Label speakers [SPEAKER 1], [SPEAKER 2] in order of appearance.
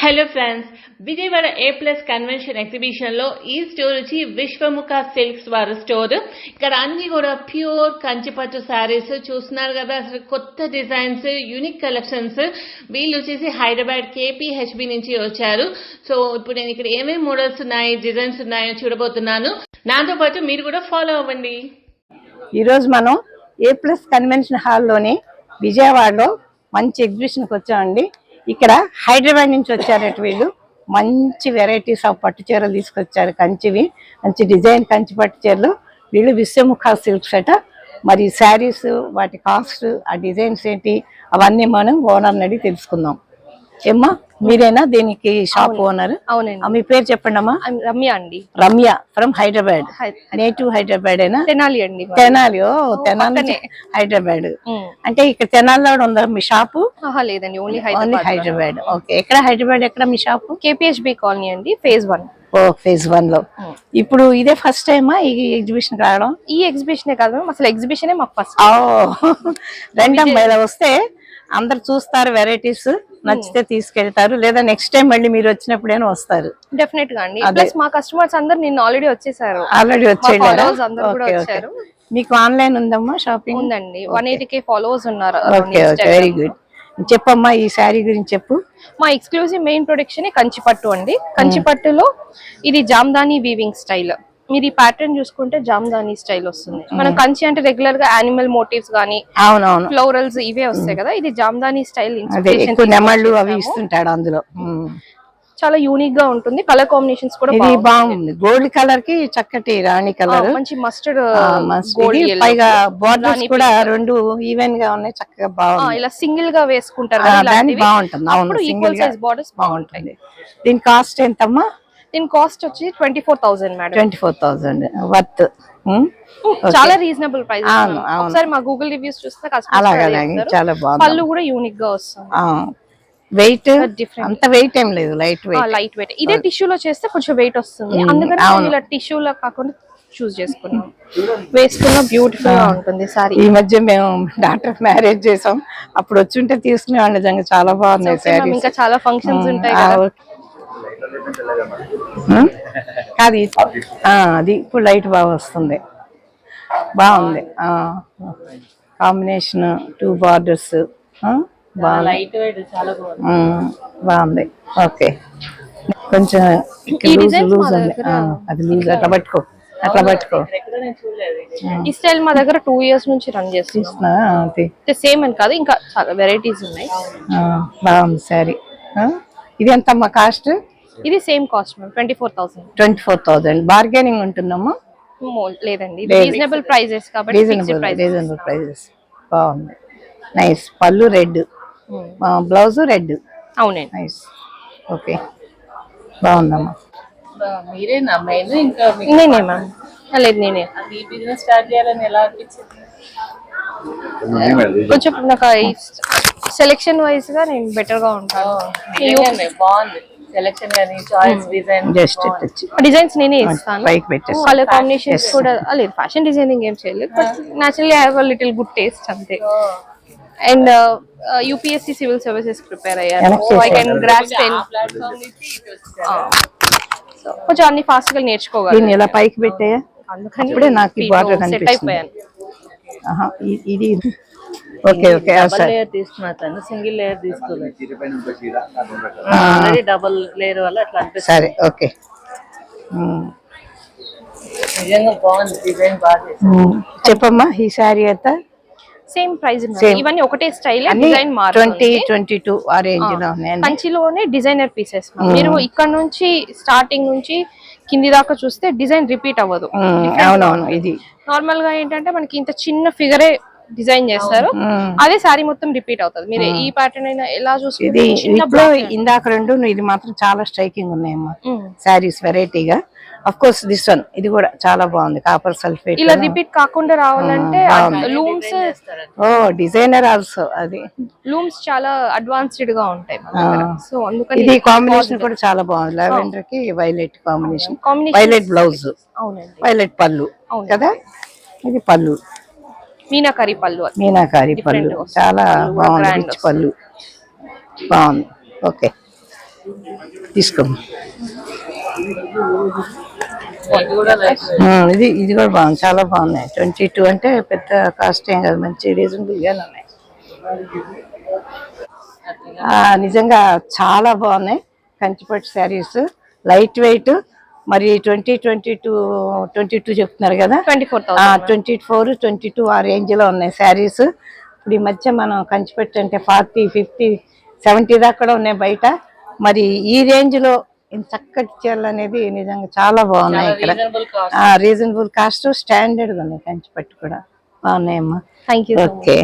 [SPEAKER 1] Hello friends, Vijayawada A+ convention exhibition లో ఈ store వచ్చి విశ్వముఖ సిల్క్స్ వారి స్టోర్. ఇక్కడ అన్ని కూడా ప్యూర్ కంచిపట్టు శారీస్ చూస్తున్నారు కదా. అసలు కొత్త డిజైన్స్, యూనిక్ కలెక్షన్స్. వీళ్ళు వచ్చేసి హైదరాబాద్ KPHB నుంచి వచ్చారు. సో ఇప్పుడు నేను ఇక్కడ ఏమేమి మోడల్స్ ఉన్నాయి, డిజైన్స్ ఉన్నాయో చూడబోతున్నాను. నాతో పాటు మీరు కూడా ఫాలో అవ్వండి.
[SPEAKER 2] ఈరోజు మనం A+ కన్వెన్షన్ హాల్లోని విజయవాడలో మంచి ఎగ్జిబిషన్కి వచ్చామండి. ఇక్కడ హైదరాబాద్ నుంచి వచ్చారట వీళ్ళు. మంచి వెరైటీస్ ఆఫ్ పట్టు చీరలు తీసుకొచ్చారు, కంచివి, మంచి డిజైన్ కంచి పట్టు చీరలు. వీళ్ళు విశ్వముఖ సిల్క్స్ అట. మరి శారీస్, వాటి కాస్ట్, ఆ డిజైన్స్ ఏంటి, అవన్నీ మనం ఓనర్ని అడిగి తెలుసుకుందాం. ఏమ్మా, మీరేనా దీనికి షాప్ ఓనర్?
[SPEAKER 3] అవునండి.
[SPEAKER 2] మీ పేరు చెప్పండి అమ్మా.
[SPEAKER 3] రమ్య అండి.
[SPEAKER 2] రమ్య ఫ్రమ్ హైదరాబాద్. నేటివ్ హైదరాబాద్ ఏనా?
[SPEAKER 3] తెనాలి అండి.
[SPEAKER 2] తెనాలి. ఓ తెనాలి, హైదరాబాద్. అంటే ఇక్కడ తెనాలిలో ఉందా మీ షాపు?
[SPEAKER 3] లేదండి, ఓన్లీ
[SPEAKER 2] హైదరాబాద్. ఓకే. ఎక్కడ హైదరాబాద్, ఎక్కడ మీ షాపు?
[SPEAKER 3] KPHB కాలనీ అండి, phase 1.
[SPEAKER 2] ఓ, phase 1 లో. ఇప్పుడు ఇదే ఫస్ట్ టైమా ఈ ఎగ్జిబిషన్ రావడం?
[SPEAKER 3] ఈ ఎగ్జిబిషన్ కాదు, అసలు ఎగ్జిబిషన్ మాకు ఫస్ట్.
[SPEAKER 2] రెండమ్మ ఇలా వస్తే అందరు చూస్తారు, వెరైటీస్ నచ్చితే తీసుకెళ్తారు, లేదా నెక్స్ట్ టైం మళ్ళీ మీరు వచ్చినప్పుడైనా వస్తారు.
[SPEAKER 3] డెఫినెట్ గా అండి. ప్లస్ మా కస్టమర్స్ అందరు నిన్న ఆల్రెడీ వచ్చేసారు.
[SPEAKER 2] ఆల్రెడీ
[SPEAKER 3] వచ్చారు.
[SPEAKER 2] మీకు ఆన్లైన్ ఉందమ్మా షాపింగ్?
[SPEAKER 3] ఉందండి. 180K ఫాలోవర్స్ ఉన్నారు.
[SPEAKER 2] Very good. చెప్పమ్మా, ఈ శారీ గురించి చెప్పు.
[SPEAKER 3] మా ఎక్స్క్లూజివ్ మెయిన్ ప్రొడక్షన్ కంచిపట్టు అండి. కంచిపట్టులో ఇది జామ్దాని వీవింగ్ స్టైల్. మీరు ఈ ప్యాటర్న్ చూసుకుంటే జామ్దాని స్టైల్ వస్తుంది. మనం కంచి అంటే రెగ్యులర్ గా యానిమల్ మోటివ్స్ గానీ, ఫ్లోరల్స్ ఇవే వస్తాయి కదా. ఇది జామ్దాని స్టైల్
[SPEAKER 2] అవి ఇస్తుంటాడు అందులో.
[SPEAKER 3] చాలా యూనిక్ గా ఉంటుంది. కలర్ కాంబినేషన్స్ కూడా
[SPEAKER 2] బాగుంది. గోల్డ్ కలర్ కి చక్కటి రాణి కలర్,
[SPEAKER 3] మంచి మస్టర్డ్
[SPEAKER 2] గోల్డ్, పైగా బోర్డర్స్ కూడా రెండు ఈవెన్ గా ఉన్నాయి, చక్కగా బాగుంది.
[SPEAKER 3] ఇలా సింగిల్ గా వేసుకుంటారు,
[SPEAKER 2] బాగుంటుంది. ఈక్వల్ సైజ్ బోర్డర్స్ బాగుంటుంది. దీని కాస్ట్ ఎంతమ్మా?
[SPEAKER 3] దీని కాస్ట్ వచ్చి 24,000 మేడం.
[SPEAKER 2] 24,000 వర్త్.
[SPEAKER 3] చాలా రీజనబుల్ ప్రైస్. ఒకసారి మా గూగుల్ రివ్యూస్ చూస్తే
[SPEAKER 2] చాలా బాగుంది.
[SPEAKER 3] పళ్ళు కూడా యూనిక్ గా వస్తుంది.
[SPEAKER 2] వెయిట్ అంత వెయిట్ ఏం లేదు, లైట్
[SPEAKER 3] వెయిట్. ఇదే టిష్యూలో చేస్తే కొంచెం వెయిట్ వస్తుంది, అందుకని ఇలా టిష్యూలో కాకుండా చూస్ చేసుకున్నాం. వేసుకున్న బ్యూటిఫుల్ గా ఉంటుంది సారీ.
[SPEAKER 2] ఈ మధ్య మేము డాక్టర్ మ్యారేజ్ చేసాం, అప్పుడు వచ్చుంటే తీసుకునే నిజంగా చాలా బాగున్నాయి.
[SPEAKER 3] ఇంకా చాలా ఫంక్షన్స్ ఉంటాయి.
[SPEAKER 2] అది ఇప్పుడు లైట్ బాగా వస్తుంది, బాగుంది. కాంబినేషన్ 2 బార్డర్స్ బాగుంది. ఓకే. కొంచెం లూజ్ ఉంది, అది లూజ్. అట్లా పట్టుకో.
[SPEAKER 3] ఈ స్టైల్ మా దగ్గర 2 years నుంచి రన్ చేస్తున్నా. సేమ్ అని కాదు, ఇంకా చాలా వెరైటీస్ ఉన్నాయి.
[SPEAKER 2] బాగుంది శారీ. ఇది ఎంతమ్మా కాస్ట్?
[SPEAKER 3] ఇది సేమ్ కాస్ట్ మ్యామ్, 24,000.
[SPEAKER 2] 24,000. బార్గెనింగ్ ఉంటుందమ్మా?
[SPEAKER 3] లేదండి, రీజనబుల్ ప్రైజెస్ కాబట్టి.
[SPEAKER 2] Reasonable prices. బాగుంది, నైస్. పళ్ళు రెడ్, బ్లౌజ్ రెడ్.
[SPEAKER 3] అవునండి,
[SPEAKER 2] నైస్. ఓకే, బాగుందమ్మా.
[SPEAKER 1] మీరేనా మెయిన్? ఇంకా
[SPEAKER 3] నేనే మ్యామ్. లేదు, నేనే.
[SPEAKER 1] అది బిజినెస్ స్టార్ట్ చేయాలని ఎలా అనిపించింది?
[SPEAKER 3] కొంచెం నాకు సెలెక్షన్ వైజ్ గా నేను బెటర్ గా ఉంటాను.
[SPEAKER 1] బాగుంది సెలెక్షన్ గానీ, చాయిస్, డిజైన్.
[SPEAKER 3] డిజైన్స్ నేనే ఇస్తాను. కలర్ కాంబినేషన్స్ కూడా లేదు. ఫ్యాషన్ డిజైనింగ్ ఏం చేయలేదు, but naturally I have a little good taste అంతే. And UPSC civil services prepare అయ్యాను, సో ఐ కెన్ గ్రాస్ప్ కొంచెం అన్ని ఫాస్ట్ గా నేర్చుకోగలను.
[SPEAKER 2] ఇలా పైకి పెట్టే అందుకని నాకు ఈ బార్డర్ కనిపిస్తుంది. ఇది ఓకే. ఓకే,
[SPEAKER 1] లేయర్ తీసుకున్నాను, సింగిల్ లేయర్ తీసుకోలేదు. డబుల్ లేయర్ వల్ల అట్లా అనిపిస్తుంది.
[SPEAKER 2] సరే, ఓకే.
[SPEAKER 1] నిజంగా బాగుంది, డిజైన్ బాగా.
[SPEAKER 2] చెప్పమ్మా, ఈ శారీ అంతా
[SPEAKER 3] సేమ్ ప్రైస్. ఇవన్నీ ఒకటే స్టైల్, డిజైన్
[SPEAKER 2] 20-22 ఆ రేంజ్ లో ఉన్నాయి.
[SPEAKER 3] కంచిలోనే డిజైనర్ పీసెస్. మీరు ఇక్కడ నుంచి స్టార్టింగ్ నుంచి కింది దాకా చూస్తే డిజైన్ రిపీట్ అవ్వదు.
[SPEAKER 2] అవునవును. ఇది
[SPEAKER 3] నార్మల్ గా ఏంటంటే మనకి ఇంత చిన్న ఫిగరే డిజైన్ చేస్తారు, అదే సారీ మొత్తం రిపీట్ అవుతుంది. మీరు ఈ ప్యాటర్న్ అయినా ఎలా చూస్తే
[SPEAKER 2] ఇందాక రెండు, ఇది మాత్రం చాలా స్ట్రైకింగ్ ఉన్నాయమ్మా శారీస్, వెరైటీగా. ఆఫ్ కోర్స్ దిస్ వన్, ఇది కూడా చాలా బాగుంది. కాపర్ సల్ఫేట్
[SPEAKER 3] ఇలా రిపీట్ కాకుండా రావాలంటే లూమ్స్,
[SPEAKER 2] డిజైనర్ ఆల్సో. అది
[SPEAKER 3] లూమ్స్ చాలా అడ్వాన్స్డ్ గా ఉంటాయి. సో అందుకని
[SPEAKER 2] ఇది కాంబినేషన్ కూడా చాలా బాగుంది. లావెండర్ కి violet combination, violet blouse, violet పళ్ళు కదా. ఇది పళ్ళు
[SPEAKER 3] మీనాకారి పళ్ళు.
[SPEAKER 2] మీనాకారి పళ్ళు చాలా బాగుంది, రిచ్ పళ్ళు బాగుంది. ఓకే. తీసుకో. ఇది కూడా బాగుంది, చాలా బాగున్నాయి. 22 అంటే పెద్ద కాస్ట్ ఏం కాదు, మంచి రీజనబుల్ గానే ఉన్నాయి. నిజంగా చాలా బాగున్నాయి కంచిపట్టు శారీస్, లైట్ వెయిట్. మరి 22 చెప్తున్నారు కదా, 24, 22 ఆ రేంజ్ లో ఉన్నాయి శారీస్. ఇప్పుడు ఈ మధ్య మనం కంచిపట్టు అంటే 40, 50, 70 దాకా కూడా ఉన్నాయి బయట. మరి ఈ రేంజ్ లో ఇంత చక్కటి చీరలు అనేది నిజంగా చాలా బాగున్నాయి ఇక్కడ. రీజనబుల్ కాస్ట్, స్టాండర్డ్ గా ఉన్నాయి. కంచిపట్టు కూడా బాగున్నాయమ్మా.
[SPEAKER 3] Thank you.
[SPEAKER 2] ఓకే.